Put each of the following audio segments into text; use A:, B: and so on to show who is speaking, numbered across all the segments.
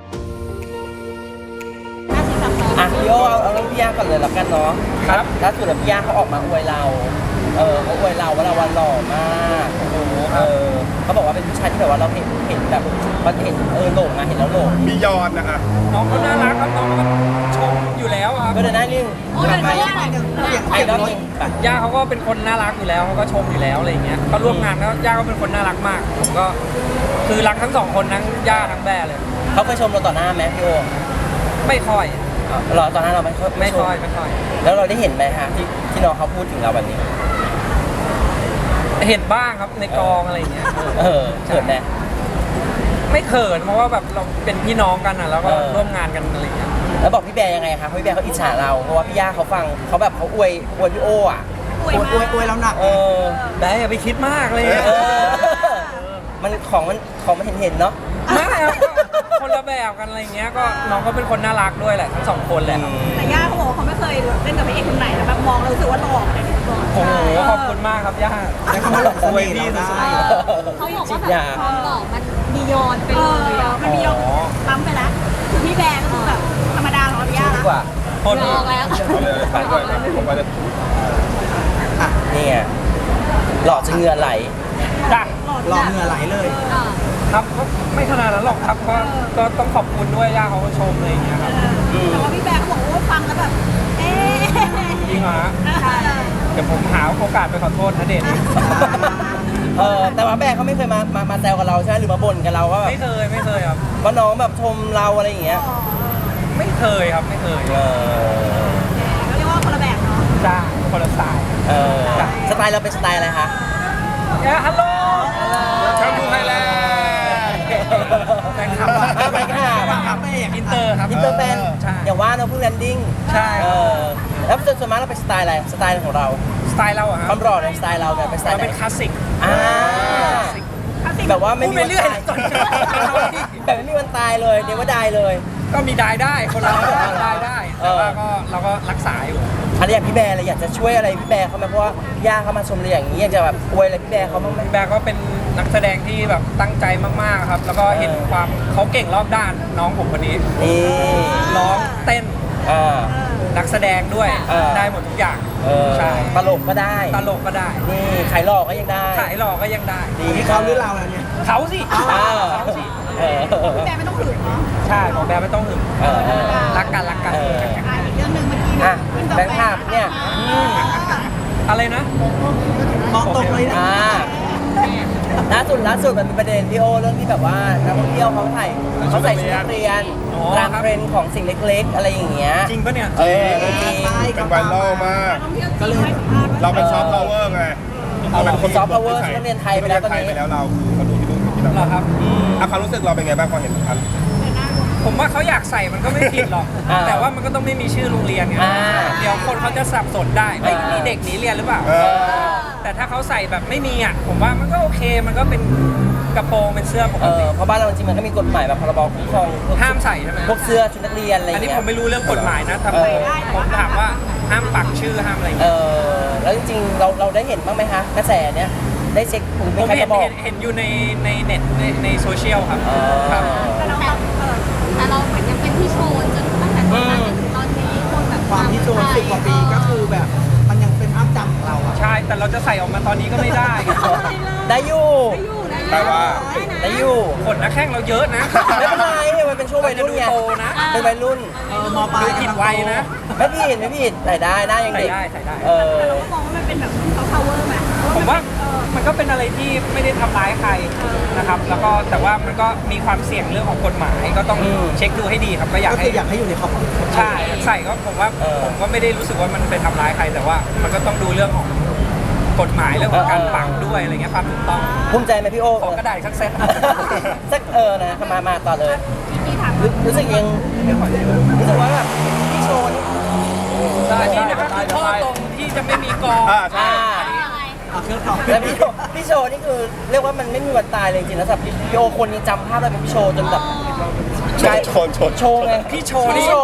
A: พี่โอเอาเรื่องพี่ย่าก่อนเลยแล้วกันเนาะครับล่าสุดพี่ย่าเขาออกมาอวยเราเขาอวยเราว่าเราวันหล่อมากเขาบอกว่าเป็นผู้ชายที่แบบว่าเราเห็นแบบมันเห็นหลงเห็นแล้วหลง
B: มียอนนะคะ
C: น้องเขาน่ารักครับน้องเขาชมอยู่แล้วครับ
A: ก็เดินหน้านิ่งไอ้รอบนึง
C: ย่าเขาก็เป็นคนน่ารักอยู่แล้วเขาก็ชมอยู่แล้วอะไรอย่างเงี้ยเขาร่วมงานแล้วย่าก็เป็นคนน่ารักมากผมก็คือรักทั้งสองคนทั้งย่าทั้งแบร์เลย
A: เขาเคยชมเราต่อหน้าไหมพี่โอ
C: ไม่ค่อย
A: หรอตอนนั้นเราไม่ค่อยแล้วเราได้เห็นไหมฮะที่น้องเขาพูดถึงเราแบบนี้
C: เห็นบ้างครับในกองอะไรอย่างเงี้ย
A: เขินไหม
C: ไม่เขินเพราะว่าแบบเราเป็นพี่น้องกันอ่ะแล้วก็ร่วมงานกันอะไรอย่างเงี้ย
A: แล้วบอกพี่แบร์ยังไงคะพี่แบร์เขาอิจฉาเราเพราะว่าพี่ย่าเขาฟังเขาแบบเขาอวยพี่โออ่ะ
D: อวยเราหนัก
C: แบร์อย่าไปคิดมากเลย
A: มันของมันเห็นเนาะ
C: ไม่ครับคนละแบบกันอะไรเงี้ยก็น้องก็เป็นคนน่ารักด้วยแหละทั้งสองคนแหละ
D: แต่ย่าเขาบอกเขาไม่เคยเล่นกับพระเอกคนไหนแล้วแบบมองเรารู้สึกว่าหล่ออะไรอย่างเงี้ย
C: โอ้โหขอบคุณมากครับย่า
D: แล้วเขามาหลงเสน่ห์เราได้
E: เขาบอกว่าแบบความหล่อมันบียอนไปเลย
D: มันบียอนปั๊มไปแล้วคือพี่แบร์ก็คือแบบธรรมดาของย่าแล้ว
C: คน
E: ลองแล้ว
B: ไปด้วยผมไปเลย
A: นี่ไงหล่อจนเหงื่อไหล
C: จ้ะ
D: หล่อเหงื่อไหลเลย
C: ครับไม่ขนาดนั้นหรอกครับก็ต้องขอบคุณด้วยย่าเขาก็ชมอะไรอย่างเงี้ยครับ
D: แต่ว่าพี่แบร์เขาบอกว่าฟังแล้วแบบ
C: จริงเหรอฮะเดี๋ยวผมหาโอกาสไปขอโทษนะเดช
A: แต่ว่าแบร์เขาไม่เคยมาแซวกับเราใช่ไหมหรือมาบ่นกับเราว่า
C: ไม่เคยครับ
A: ว่าน้องแบบชมเราอะไรอย่างเงี้ย
C: ไม่เคยครับไม่เคย
D: เขาเรียกว่าคนละแบบเนาะ
C: จ้าคนละสไตล์
A: สไตล์เราเป็นสไตล์อะไรคะ
C: ฮัลโหล
B: ช่างดูไทยแลนด์
C: แฟนคลับอินเตอร์ครับ
A: อินเตอร์แฟนอย่างว่าเราเพิ่งแลนดิ้ง
C: ใช่
A: แล้วส่วนมากเราเป็นสไตล์อะไรสไตล์ของเรา
C: สไตล์เราอะครับ
A: ความหล่อในสไตล์เราเนี่ยเป็นสไตล์
C: เป็นคลาสสิก
A: แบบว่าไม่มีวันตายแบบไม่มีวันตายเลยเดี๋ยวว่าได้เลย
C: ก็มีได้คนเราได้แต่ว่าก็เราก็รักษาอยู่
A: อะไรอย่างพี่แบร์อะไรอยากจะช่วยอะไรพี่แบร์เขาไหมเพราะว่าย่าเขามาชมอะไรอย่างนี้อยากจะแบบอวยอะไรพี่แบร์เขาบ้างไหม
C: พี่แบร์ก็เป็นนักแสดงที่แบบตั้งใจมากๆครับแล้วก็เห็นความเขาเก่งรอบด้านน้องผมคนนี้ร้องเต้นนักแสดงด้วยได้หมดทุกอย่างใช่
A: ตลกก็ได้นี่ขายหลอกก็ยังได้
C: ดี
D: ที่เขาหรือเราเนี่ย
C: เขาสิ
D: พี่แบร์ไม่ต้องหึงเนาะ
C: ใช่ของแบร์ไม่ต้องหึงรักกัน
D: อีกเรื่องหนึ่งเมื่อกี้
A: แบงค์ภาพเนี่ย
C: อะไรนะ
D: มองตรงเลยนะ
A: ล่าสุดมันมีประเด็นพี่โอเรื่องที่แบบว่านักท่องเที่ยวเขาใส่ชุดนักเรียนตามเทรนด์ของสิ่งเล็กๆอะไรอย่างเงี้ย
C: จริงปะเนี่ย
A: จริง
B: เป็นไวรัลมาก
D: ก็เลย
B: เราเป็นซอฟต์พาวเวอร์ไง
A: เราเป็นคนซอฟต์พาวเวอร์นักเรียนไทยไปแล้วตอนนี้
B: เราเขาดูที่นู่นที่นั่น
C: ครับ
B: ความรู้สึกเราเป็นไงบ้างพอเห็นทัน
C: ผมว่าเขาอยากใส่มันก็ไม่ผิดหรอกแต่ว่ามันก็ต้องไม่มีชื่อโรงเรียนไงเดี๋ยวคนเขาจะสับสนได้ไม่มีเด็กหนีเรียนหรือเปล่าแต่ถ้าเขาใส่แบบไม่มีอ่ะผมว่ามันก็โอเคมันก็เป็นกระโปรงเป็นเสื้อปกติ
A: เพราะบ้านเราจริงมันก็มีกฎหมายแบบพรบคุ้มครอง
C: ห้ามใส่ใช่ไหม
A: พวกเสื้อชุดนักเรียนอะไรอย่าง
C: เงี้ยอันนี้
A: ผม
C: ไม่รู้เรื่องกฎหมายนะทำไมผมถามว่าห้ามปักชื่อห้ามอะไร
A: แล้วจริงๆเราได้เห็นบ้างไหมคะกระแสเนี้ยได้เช็ค
C: ผมเห็นอยู่ในเน็ตในโซเชียลครับ
E: แต่เราเหมือนยังเป็นที่โชว์จนตั้งแต่ตอนนั้นจนถึงตอนนี้คนแบบ
D: ความที่โชว์10 กว่าปีก็คือแบบมันยังเป็นภาพจำของเราอะ
C: ใช่แต่เราจะใส่ออกมาตอนนี้ก็ไม่ได้
A: ได้อยู่
B: แต่ว่า
A: ได้อยู่
C: ขนนะแข้งเราเยอะนะ
A: ไม่เป็นไรมันเป็นช่วงวัยรุ่นไงเป็นวัยรุ่น
D: มปลาย
C: ผิดวัยนะ
A: ไม่ผิดใส่ได้หน้ายังเด็ก
C: ใส่ได้
D: เรามองว่ามันเป็นแบบเขา power ไหม
C: ผมว่ามันก็เป็นอะไรที่ไม่ได้ทำร้ายใครนะครับแล้วก็แต่ว่ามันก็มีความเสี่ยงเรื่องของกฎหมายก็ต้องเช็คดูให้ดีครับก็อยาก
D: ให้อยู่ในขอบ
C: ใช่ใส่ก็ผมว่าผมก็ไม่ได้รู้สึกว่ามันไปทำร้ายใครแต่ว่ามันก็ต้องดูเรื่องของกฎหมายเรื่องของการปักด้วยอะไรเงี้ยความถูกต้อง
A: ภูมิใจไหมพี่โอ
C: ขอกระดาษสักเซต
A: สักนะมาต่อเลยรู้สึกยังรู้สึกว่าแบบพี่โชว์นี่
C: นี่นะครับข้อตรงที่จะไม่มีกอง
A: แล้วพี่โชว์นี่คือเรียกว่ามันไม่มีวันตายเลยจริงๆนะสำหรับพี่โอคนยังจำภาพได้เป็นพี่โชว์จนแบบโชว์ไง
C: พี่โชว์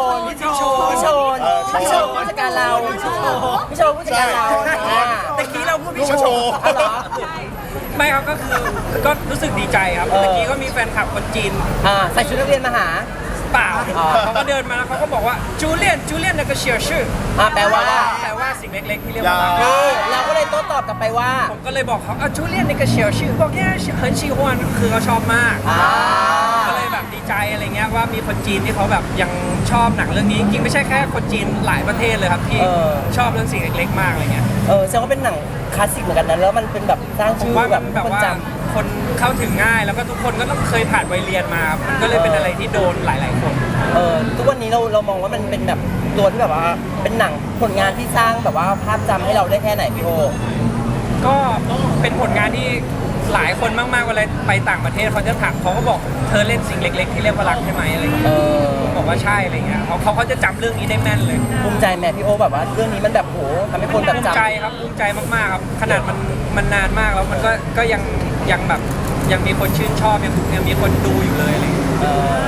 A: ผู้จัดการเราพี่โชว์ผู้จัดการเรา
C: ตะกี้เราพูดพี่โชว์ไม่ครับก็คือก็รู้สึกดีใจครับเมื่อกี้ก็มีแฟนคลับคนจีน
A: ใส่ชุดนักเรียนมาหา
C: เปล่าเขาก็เดินมาแล้วเขาก็บอกว่าจูเลียน那个小事
A: แปลว่า
C: สิ่งเล็กๆที่เรียกว่ารัก
A: เราก็เลยโต้ตอบกลับไปว่า
C: ผมก็เลยบอกเขาจูเลียน那个小事บอกแค่很喜欢คือเขาชอบมาก ก็เลยแบบดีใจอะไรเงี้ยว่ามีคนจีนที่เขาแบบยังชอบหนังเรื่องนี้จริงๆไม่ใช่แค่คนจีนหลายประเทศเลยครับที่ชอบเรื่องสิ่งเล็กๆมากอะไรเงี้ย
A: แสดงว่าเป็นหนังคลาสสิกเหมือนกันนะแล้วมันเป็นแบบสร้าง
C: ผม
A: ชื่อ
C: ว่า
A: แบ
C: มั
A: บ
C: นแบบ
A: คน
C: ว่า
A: จ
C: คนเข้าถึงง่ายแล้วก็ทุกคนก็ต้องเคยผ่านวัยเรียนมาครับมันก็เลยเป็นอะไรที่โดนหลายๆคน
A: ำทุกวันนี้เรามองว่ามันเป็นแบบตัวที่แบบว่าเป็นหนังผลงานที่สร้างแบบว่าภาพจำให้เราได้แค่ไหนพี่โอ
C: ก็เป็นผลงานที่หลายคนมากๆเวลาไปต่างประเทศเขาจะถามเขาก็บอกเธอเล่นสิ่งเล็ก ๆ ที่เรียกว่ารักใช่ไหมอะไรเงี้ยผมบอกว่าใช่อะไรเงี้ยเขาจะจำเรื่องนี้ได้แม่นเลย
A: ภูมิใจแม่พี่โอแบบว่าเรื่องนี้มันแบบโหทำให้คนแบบ
C: ภูมิ
A: จำ
C: ใจครับภูมิใจมากๆครับขนาดมันนานมากแล้วมันก็ยังแบบยังมีคนชื่นชอบยังมีคนดูอยู่เลยอะไรเงี้ย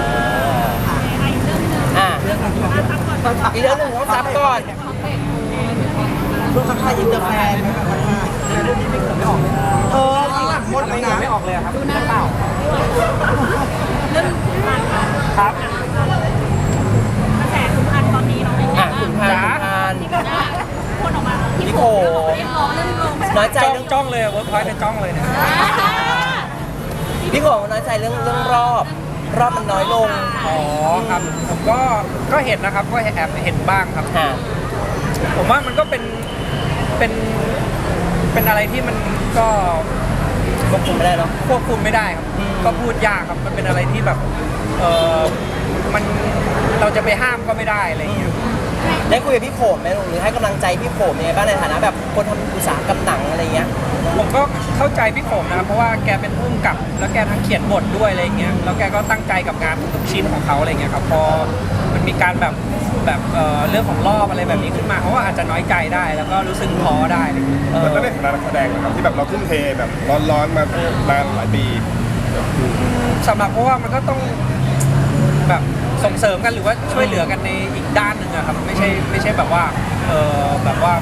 A: อีกเรื่องหนึ่งต้องซับก่อนช่วงทักทายอินเตอร์แฟน
C: หมดเลยไม่ออกเลยครับดูหน้าเปล่าครับ
D: กระแสขุนพันธุ์ตอนนี้เนาะ
A: ขุนพันธุ์
D: ที่แบบว่าคนออกมาที่
A: พี่
D: โผ
A: โข
D: เรียกร้องเรื่องลง
A: น้อยใจเรื่อง
C: จ้องเลยเวิร์กพอยต์จ้องเลยเนี่ย
A: พี่โขน้อยใจเรื่องรอบมันน้อยลง
C: อ๋อครับผมก็เห็นนะครับก็แอบเห็นบ้างครับ
A: ค่ะ
C: ผมว่ามันก็เป็นอะไรที่มันก็
A: ควบคุมไม่ได้เนาะ
C: ควบคุมไม่ได้ครับก็พูดยากครับมันเป็นอะไรที่แบบมันเราจะไปห้ามก็ไม่ได้อะไรอย่างเงี้ย
A: ได้คุยกับพี่โขมไหมหรือให้กำลังใจพี่โขมยังไงบ้างในฐานะแบบคนทำอุตสาหกรรมหนังอะไรเงี้ย
C: ผมก็เข้าใจพี่โขมนะครับเพราะว่าแกเป็นผู้กำกับแล้วแกทั้งเขียนบทด้วยอะไรอย่างเงี้ยแล้วแกก็ตั้งใจกับงานทุกชิ้นของเขาอะไรเงี้ยครับพอมันมีการแบบเรื่องของรอบอะไรแบบนี้ขึ้นมาเขาก็อาจจะน้อยใจได้แล้วก็รู้สึกท้อได้อะไรอย่างเงี้ย
B: แล้วในฐานะนักแสดงนะครับที่แบบเราทุ่มเทแบบร้อนๆมานานหลายปี
C: สำหรับเพราะว่ามันก็ต้องแบบส่งเสริมกันหรือว่าช่วยเหลือกันในอีกด้านหนึ่งอะครับไม่ใช่แบบว่าแบบว่า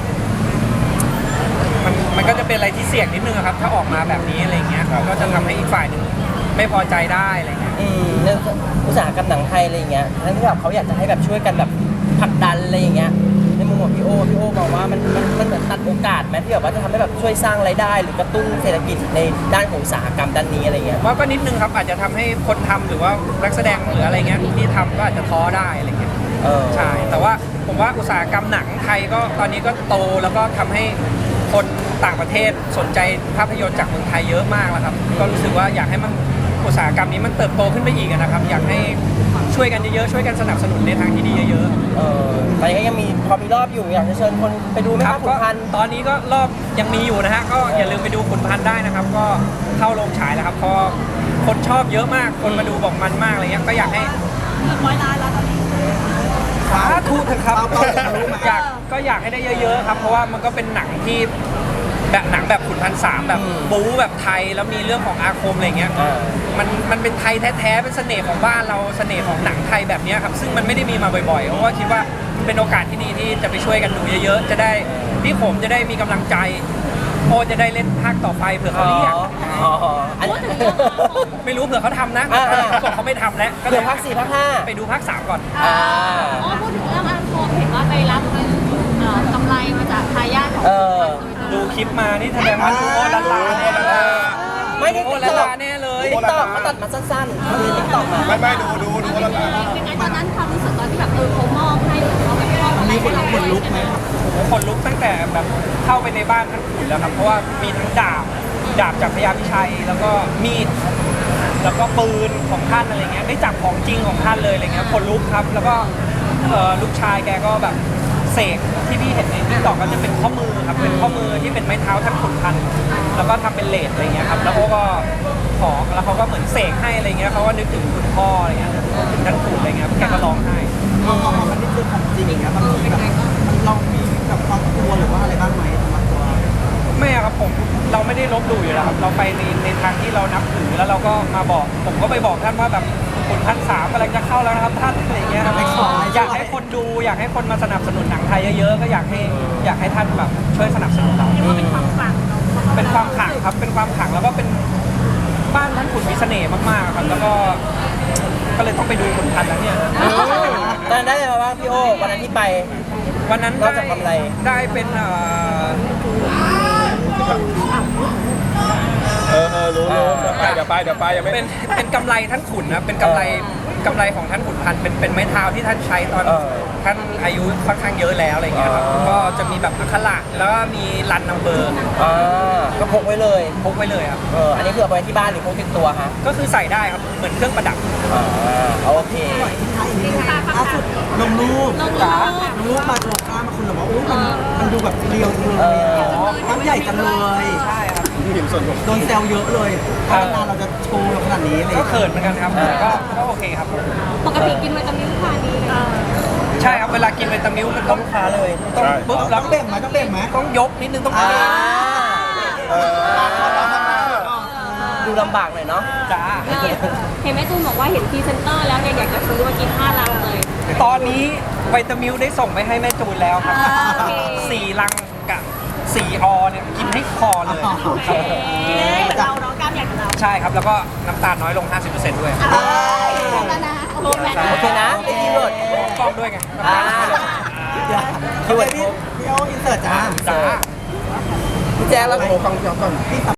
C: มันก็จะเป็นอะไรที่เสี่ยงนิดนึงอะครับถ้าออกมาแบบนี้อะไรเงี้ยก็จะทำให้อีกฝ่ายหนึ่งไม่พอใจได้อะไรเงี้ย
A: เรื่องอุตสาหกรรมหนังไทยอะไรเงี้ยทั้งที่แบบเขาอยากจะให้แบบช่วยกันแบบผลักดันอะไรอย่างเงี้ยในมุมของพี่โอมองว่ามันเหมือนตัดโอกาสไหมที่แบบว่าจะทำให้แบบช่วยสร้างรายได้ หรือกระตุ้นเศรษฐกิจในด้านของอุตสาหกรรมด้านนี้อะไรเงี้ย
C: ว่าก็นิดนึงครับอาจจะทำให้คนทำหรือว่านักแสดงหรืออะไรเงี้ยที่ทำก็อาจจะท้อได้อะไรเงี้ยใช่แต่ว่าผมว่าอุตสาหกรรมหนังไทยก็ตอนนี้ก็โตแล้วก็ทำให้คนต่างประเทศสนใจภาพยนตร์จากเมืองไทยเยอะมากแล้วครับก็รู้สึกว่าอยากให้มันอุตสาหกรรมนี้มันเติบโตขึ้นไปอีกนะครับอยากให้ช่วยกันเยอะๆช่วยกันสนับสนุนในทางที่ดีเยอะ
A: ตอนนี้ก็ยังมีพอมีรอบอยู่อยากจะเชิญคนไปดูไหมครับขุนพันธุ์
C: ตอนนี้ก็รอบยังมีอยู่นะฮะก็อย่าลืมไปดูขุนพันธุ์ได้นะครับก็เข้าโรงฉายแล้วครับเพราะคนชอบเยอะมากคนมาดูบอกมันมากอะไรเงี้ยก็อยากให้
D: 100 ล้านแล้วตอนนี้
C: สาธุเถอะครับอยากให้ได้เยอะๆครับเพราะว่ามันก็เป็นหนังที่แบบหนังแบบขุนพันสามแบบบู๊แบบไทยแล้วมีเรื่องของอาคมอะไรเงี้ยมันเป็นไทยแท้ๆเป็นเสน่ห์ของบ้านเราเสน่ห์ของหนังไทยแบบนี้ครับซึ่งมันไม่ได้มีมาบ่อยๆเพราะว่าคิดว่าเป็นโอกาสที่ดีที่จะไปช่วยกันดูเยอะๆจะได้พี่ผมจะได้มีกำลังใจโอจะได้เล่นภาคต่อไปเผื่อเขาเรียกไม่รู้เผื่อเขาทำนะบอกเขาไม่ทำแล้วก็
A: เผื่อภาค 4 ภาค 5
C: ไปดูภาค 3 ก่อน
E: อ๋อพูดถึงเรื่องอาโคมเห็นว่าไปรับเงินกำไรมาจากทายาทของ
C: ดูคลิปมานี่แสดงว่าดูโอละลาแน่เลย
A: ไม่ได้
C: โอ
A: ติ๊ก
C: ละ
A: ต็อก
C: ลาแน่เลย
A: ติ๊กต็อกเขาตัดมาสั้นๆคือติ๊กต็อกมา
B: ไม่ดูแล้วนะ
E: เป็นไงตอนนั้นความรู้สึกตอนที่แบบเขามอบให้เขาแบบมอบอะไรให้เราคนลุกไหม
C: คนลุกตั้งแต่แบบเข้าไปในบ้านท่านขุนแล้วครับเพราะว่ามีทั้งดาบจากพญาพิชัยแล้วก็มีดแล้วก็ปืนของท่านอะไรเงี้ยได้จับของจริงของท่านเลยอะไรเงี้ยคนลุกครับแล้วก็ลูกชายแกก็แบบเสกที่พี่เห็นในติ๊กต็อกก็จะเป็นข้อมือครับเป็นข้อมือที่เป็นไม้เท้าท่านขุนพันธ์แล้วก็ทำเป็นเลสอะไรเงี้ยครับแล้วเขาก็ขอแล้วเขาก็เหมือนเสกให้อะไรเงี้ยเขาก็นึกถึงคุณพ่ออะไรเงี้ยถึงท่านขุนอะไรเงี้ยแกก็ร้องไห้
A: มันนี่คือของจริงอย่างเงี้ยบางทีแบบมันลองมีกับความกลัวหรือว่าอะไรบ้างไหมสำหรับตัว
C: ไม่ครับผมเราไม่ได้ลบหลู่อยู่แล้วครับเราไปในทางที่เรานับถือแล้วเราก็มาบอกผมก็ไปบอกท่านว่าแบบขุนพันสามกำลังจะเข้าแล้วนะครับท่านอะไรเงี้ยครับอยากให้คนดูอยากให้คนมาสนับสนุนหนังไทยเยอะๆก็อยากให้ท่านแบบช่วยสนับสนุนเรา
D: เป็นความฝัน
C: เป็นความขลังครับเป็นความขลังแล้วก็เป็นบ้านท่านขุนมีเสน่ห์มากๆครับแล้วก็ก็เลยต้องไปดูขุนพันธุ์แล้วเนี่ย
A: ตอนนั้นได้อะไรมาบ้างพี่โอวันนั้นที่ไป
C: วันนั้น
A: นอกจากกำไร
C: ได้เป็น
B: รู้เดี๋ยวไปยังไม่
C: เป็นกำไรท่านขุนนะเป็นกำไรของท่านขุนพันธุ์เป็นไม้เท้าที่ท่านใช้ตอนท่านอายุค่อนข้างเยอะแล้วอะไรเงี้ยครับก็จะมีแบบอักขระแล้วก็มีรันนัมเบอร์
A: ก็พกไว้เลย
C: พกไว้เลยครับ
A: อันนี้คือเอาไปที่บ้านหรือพกติดตัวฮะ
C: ก็คือใส่ได้ครับเหมือนเครื่องประดับ
A: โอเค
F: ล่าสุดลงรูปจ๋าลงรูปมาโชว์กล้ามมาคุณบอกว่าอุ้ยมันดูแบบเรียวจังเลยกล้ามใหญ่จังเลย
C: ใช่ครับ
B: เห็นส่วนผม
F: โดนแซวเยอะเลยถ้านานเราจะโชว์ขนาดนี้เลย
C: ก็เขินเหมือนกันครับแต่ก็โอเคครับ
E: ปกติกินวิตามินทานดีเลย
C: ใช่ครับเวลากินวิตามินมันต้อง
A: ค้าเลย
C: ต้องปุ๊บแล้ว
F: ต้องเบ่งไหมต้องเบ่งไหม
C: ต้องยกนิดนึงต้อง
A: ดูลำบากหน่อยเนาะ
C: จ้า
E: เห็นแม่ตูนบอกว่าเห็นพรีเซนเตอร์แล้วเนี่ยอยากจะซื้อมากิน5 ลังเลย
C: ตอนนี้วิตามินได้ส่งไปให้แม่จูนแล้วครับ
E: โอเค
C: 4 ลังกับ4 อเนี่ยกินให้พอเลย
D: กินเลยเหมือนเราเนาะกล้ามใหญ่กับเรา
C: ใช่ครับแล้วก็น้ำตาลน้อยลง 50%ด้วย
D: แล้วนะโอเค
A: โอเคนะไอ้ที่หลด
C: กล้องด้วยไง
F: เดี๋ยวพี่โออินเสิร์ตจ้า
C: จ้า
A: พี่แจ๊คแล้ว
F: โอ้ฟังเสียงก่อน